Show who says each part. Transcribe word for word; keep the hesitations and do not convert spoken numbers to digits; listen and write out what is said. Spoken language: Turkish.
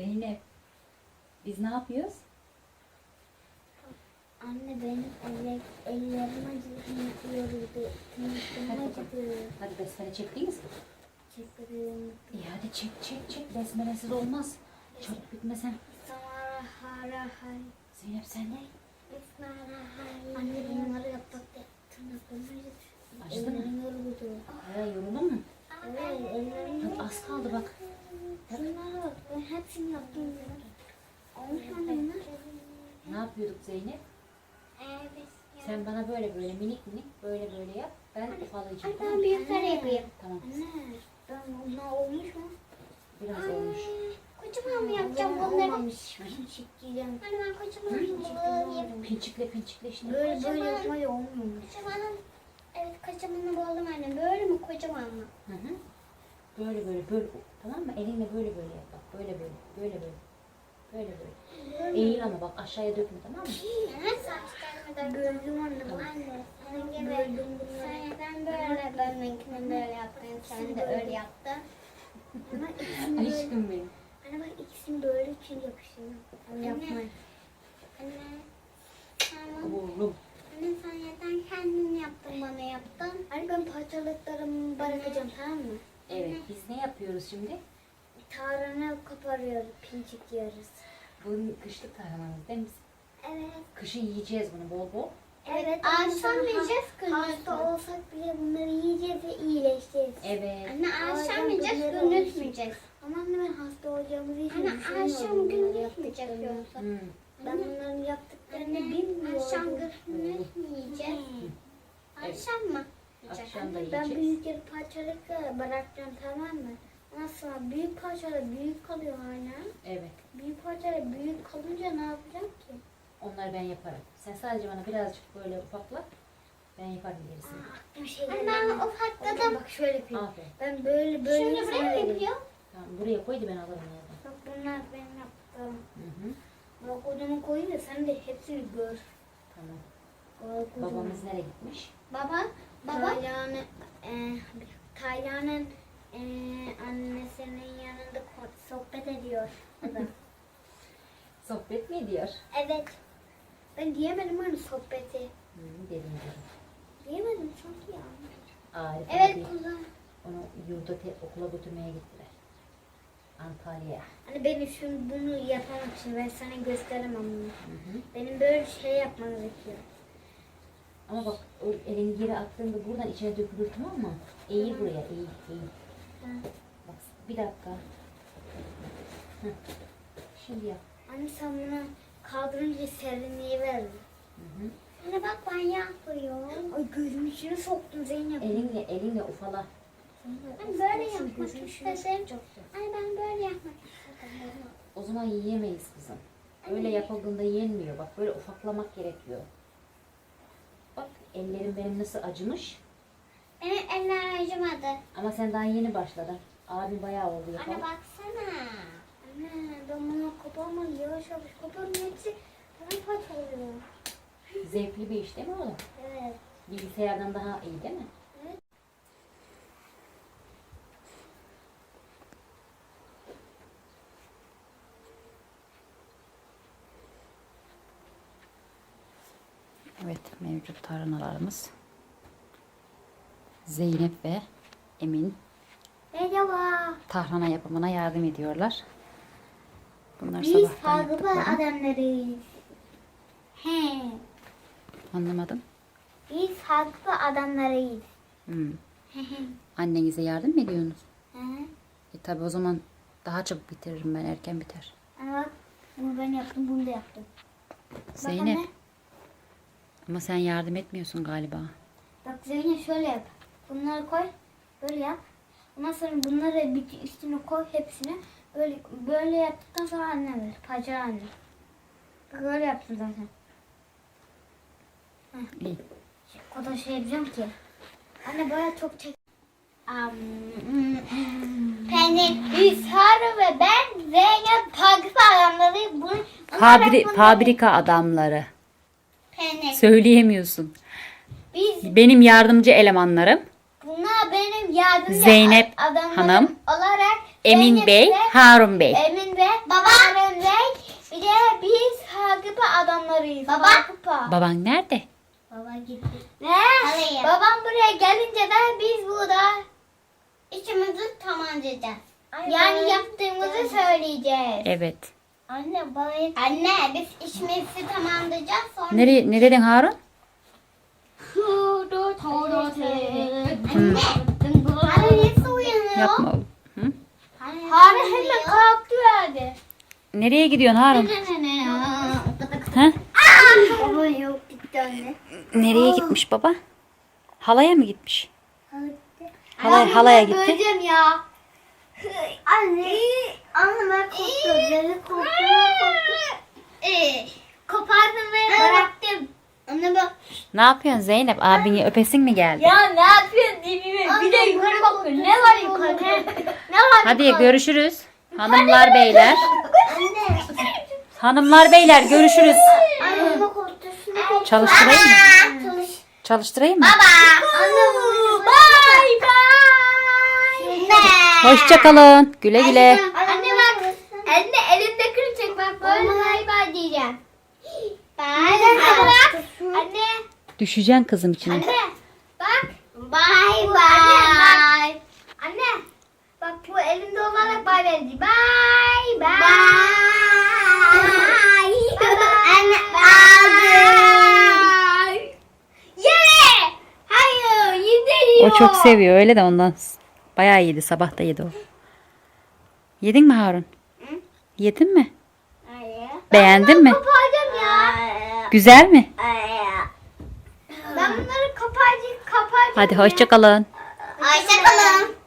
Speaker 1: Zeynep. Biz ne yapıyoruz?
Speaker 2: Anne benim elle, ellerim acıdı, yoruldu. Tırnaklarım acıdı.
Speaker 1: Hadi besmele çektiniz mi?
Speaker 2: Çektim.
Speaker 1: İyi hadi çek çek çek. Besmelesiz olmaz. Çabuk bitmesen.
Speaker 2: Samara hara hay.
Speaker 1: Zeynep sen ne?
Speaker 2: Esmara hay. Anne bunları yapmakta tırnaklarım acıdı.
Speaker 1: Acıdı mı?
Speaker 2: Ellerim yoruldu.
Speaker 1: Aya yoruldun mu?
Speaker 2: Evet ellerim
Speaker 1: Hadi az kaldı bak.
Speaker 2: Şunlara bak ben hepsini yaptım. Olmuş mu anne bunlar?
Speaker 1: Ne yapıyorduk Zeynep?
Speaker 2: Evet.
Speaker 1: Sen bana böyle böyle minik minik böyle böyle yap. Ben ufalayacağım.
Speaker 2: Ben büyükleri yapayım.
Speaker 1: Tamam.
Speaker 2: Anne ben bunlar olmuş mu?
Speaker 1: Biraz olmuş.
Speaker 2: Kocaman mı yapacağım bunları? Olmamış. Pinçikleyeceğim. Hani ben kocaman yapayım.
Speaker 1: Pinçikle pinçikle şimdi.
Speaker 2: Böyle böyle yapmayı olmuyormuş. Kocaman. Evet kocamanı buldum anne. Böyle mi kocaman mı?
Speaker 1: Hı hı. Böyle böyle böyle. Tamam mı? Elinle böyle böyle yap. Bak böyle böyle. Böyle böyle. Böyle böyle. Eğil ama bak aşağıya dökme tamam mı?
Speaker 2: Saçlarımı da böldüm anne. Anne. Senin gibi sen ben böyle ben benimkini böyle yaptım. Sen de öyle yaptın. Ama ikisini böyle.
Speaker 1: Aşkım benim.
Speaker 2: Anne bak ikisini böyle için yapıştırdım. Anne. Yapma. Anne. Tamam.
Speaker 1: Oğlum.
Speaker 2: Anne sen zaten kendin yaptın bana yaptın. Anne ben parçalıklarımı bırakacağım tamam mı?
Speaker 1: Evet biz ne yapıyoruz şimdi?
Speaker 2: Tarhana koparıyoruz, pincik yiyoruz.
Speaker 1: Bu kışlık tarhanamız değil mi?
Speaker 2: Evet.
Speaker 1: Kışın yiyeceğiz bunu bol bol.
Speaker 2: Evet. Akşam yiyeceğiz kızım. Hasta olsak bile bunları yiyeceğiz ve iyileşeceğiz.
Speaker 1: Evet.
Speaker 2: Anne akşam yiyeceğiz, gündüz yiyeceğiz. Ama anne ben hasta olacağımızı hiç düşünmüyorum. Anne akşam gündüz yiyeceğiz yoksa.
Speaker 1: Hmm.
Speaker 2: Ben bunların yaptıklarını bilmiyorum. Akşam gündüz mü yiyeceğiz? Akşam mı?
Speaker 1: Akşam da
Speaker 2: Ben
Speaker 1: yiyeceğiz.
Speaker 2: büyükleri parçalıkla bırakacağım tamam mı? Nasıl? Büyük parçalar büyük kalıyor hala.
Speaker 1: Evet.
Speaker 2: Büyük parçalar büyük kalınca ne yapacağım ki?
Speaker 1: Onları ben yaparım. Sen sadece bana birazcık böyle ufakla. Ben yaparım gerisini.
Speaker 2: Bir şey ben ufakladım. Bak şöyle yapayım.
Speaker 1: Aferin.
Speaker 2: Ben böyle böyle
Speaker 1: Şimdi buraya mı yapıyor? Tamam buraya koy da ben alırım yerden.
Speaker 2: Bak bunlar benim yaptığım.
Speaker 1: Hı hı.
Speaker 2: Bak odamı koyayım da sen de hepsini gör.
Speaker 1: Tamam.
Speaker 2: Bak,
Speaker 1: Babamız nereye gitmiş?
Speaker 2: Baba, baba. Taylan'ın, e, Taylan'ın e, annesinin yanında ko- sohbet ediyor. O da.
Speaker 1: Sohbet mi ediyor?
Speaker 2: Evet. Ben diyemedim hani sohbeti.
Speaker 1: Hı, dedim dedim.
Speaker 2: Diyemedim çok ya.
Speaker 1: Arif
Speaker 2: Evet
Speaker 1: abi
Speaker 2: kuzum.
Speaker 1: onu yurda te- okula götürmeye gittiler. Antalya'ya.
Speaker 2: Hani benim şimdi bunu yapmak için ben sana gösteremem bunu.
Speaker 1: Hı hı.
Speaker 2: Benim böyle şey yapmam gerekiyor.
Speaker 1: Ama bak o elini geri attığında buradan içine dökülür tamam mı? Eğil buraya eğil eğil.
Speaker 2: Hı.
Speaker 1: Bak bir dakika. Hı. Şimdi yap.
Speaker 2: Anne sen bunu kaldırınca serinliği verir.
Speaker 1: Hı hı.
Speaker 2: Anne bak ben yapıyorum. Ay gözümün içine soktum Zeynep.
Speaker 1: Elinle elinle ufala.
Speaker 2: Ben böyle yapmak istedim. Anne ben böyle yapmak istedim.
Speaker 1: O zaman yiyemeyiz kızım. Öyle yapıldığında yenmiyor. Bak böyle ufaklamak gerekiyor. Bak ellerim benim nasıl acımış.
Speaker 2: Benim eller acımadı.
Speaker 1: Ama sen daha yeni başladın. Abim bayağı oldu
Speaker 2: Anne
Speaker 1: yapalım.
Speaker 2: baksana. Anne ben bunu koparmam yavaş yavaş koparım hepsi paramparça oluyor.
Speaker 1: Zevkli bir iş değil mi oğlum?
Speaker 2: Evet.
Speaker 1: Bilgisayardan daha iyi değil mi?
Speaker 2: Evet.
Speaker 1: Evet, mevcut tarhanalarımız. Zeynep ve Emin
Speaker 2: Merhaba.
Speaker 1: tarhana yapımına yardım ediyorlar. Bunlar
Speaker 2: Biz
Speaker 1: sabahtan
Speaker 2: farklı
Speaker 1: yaptıkları.
Speaker 2: adamlarıyız. He.
Speaker 1: Anlamadım.
Speaker 2: Biz farklı adamlarıyız.
Speaker 1: Hmm.
Speaker 2: He he.
Speaker 1: Annenize yardım mı ediyorsunuz?
Speaker 2: Hı hı.
Speaker 1: E tabi o zaman daha çabuk bitiririm ben, erken biter.
Speaker 2: Anne bak bunu ben yaptım bunu da yaptım.
Speaker 1: Zeynep.
Speaker 2: Bak anne.
Speaker 1: Ama sen yardım etmiyorsun galiba.
Speaker 2: Bak Zeynep şöyle yap. Bunları koy. Böyle yap. Ondan sonra bunları bir üstüne koy hepsini. Böyle böyle yaptıktan sonra anne ver. Pacar anne. Bak böyle yaptım zaten. Heh.
Speaker 1: İyi.
Speaker 2: O kadar şey yapacağım ki. Anne böyle çok çek. Peynir, Hüsar ve ben Zeynep Pakistan adamlarıyım. Bunu
Speaker 1: Fabri fabrika adamları.
Speaker 2: Peynir.
Speaker 1: Söyleyemiyorsun.
Speaker 2: Biz
Speaker 1: Benim yardımcı elemanlarım.
Speaker 2: bunlar benim yardımcı
Speaker 1: Zeynep
Speaker 2: adamlarım
Speaker 1: Hanım.
Speaker 2: olarak
Speaker 1: Emin
Speaker 2: Zeynep
Speaker 1: Bey,
Speaker 2: ve-
Speaker 1: Harun Bey.
Speaker 2: Emin ve Harun Bey. Bir de biz Hagıpa adamlarıyız.
Speaker 3: Baba.
Speaker 2: Hagıpa.
Speaker 1: Baban nerede?
Speaker 3: Baba gitti.
Speaker 2: Ve
Speaker 3: Alayım.
Speaker 2: babam buraya gelince de biz burada
Speaker 3: İçimizi tamamlayacağız.
Speaker 2: yani yaptığımızı söyleyeceğiz.
Speaker 1: Evet.
Speaker 3: Anne bana Anne biz işimizi tamamlayacağız sonra.
Speaker 1: Nereye, ne dedin Harun?
Speaker 3: Anne. Anne nasıl uyanıyor?
Speaker 1: Yapma oğlum. Hı?
Speaker 2: Harun hemen kalktı verdi.
Speaker 1: Nereye gidiyorsun Harun? Ha?
Speaker 3: Baba yok gitti anne.
Speaker 1: Nereye gitmiş baba? Halaya mı gitmiş? Halaya, halaya gitti.
Speaker 2: Böleceğim ya.
Speaker 3: Anne. Anne ben korktum. Beni korktum.
Speaker 2: Ee, kopardım ve bıraktım.
Speaker 3: Anne bak.
Speaker 1: Ne yapıyorsun Zeynep? Abini öpesin mi geldi?
Speaker 2: Ya ne yapıyorsun dibime? Bir de yukarı bakıyor. Ne var yukarıda? Ne var
Speaker 1: Hadi
Speaker 2: yukarıda?
Speaker 1: görüşürüz. Hanımlar beyler.
Speaker 3: Anne.
Speaker 1: Hanımlar beyler görüşürüz.
Speaker 3: Anne baba korktusunu
Speaker 1: Çalıştırayım mı?
Speaker 3: Çalış.
Speaker 1: Çalıştırayım mı?
Speaker 3: Anne baba.
Speaker 2: Bye bye.
Speaker 3: Ne?
Speaker 1: Hoşça kalın. Güle güle.
Speaker 2: Anne bak. Anne elinde kıracak bak böyle bye bye diyeceğim.
Speaker 3: Bye
Speaker 2: Anne bak. Anne.
Speaker 1: Düşeceksin kızım içine.
Speaker 2: Anne. Bak.
Speaker 3: Bye
Speaker 2: Bu-
Speaker 3: bye.
Speaker 2: Anne bak. Anne. Bak bu elimde olarak bye bye diyeceğim. Bye bye.
Speaker 3: Anne aldım.
Speaker 2: Ye. Hayır yedi
Speaker 1: O çok seviyor öyle de ondan. Bayağı yedi. Sabah da yedi o. Yedin mi Harun? Yedin mi? Beğendin mi?
Speaker 2: Koparacağım ya.
Speaker 1: Güzel mi?
Speaker 2: Ben bunları koparacağım, koparacağım.
Speaker 1: Hadi
Speaker 2: ya.
Speaker 1: hoşça kalın.
Speaker 3: Hoşça kalın.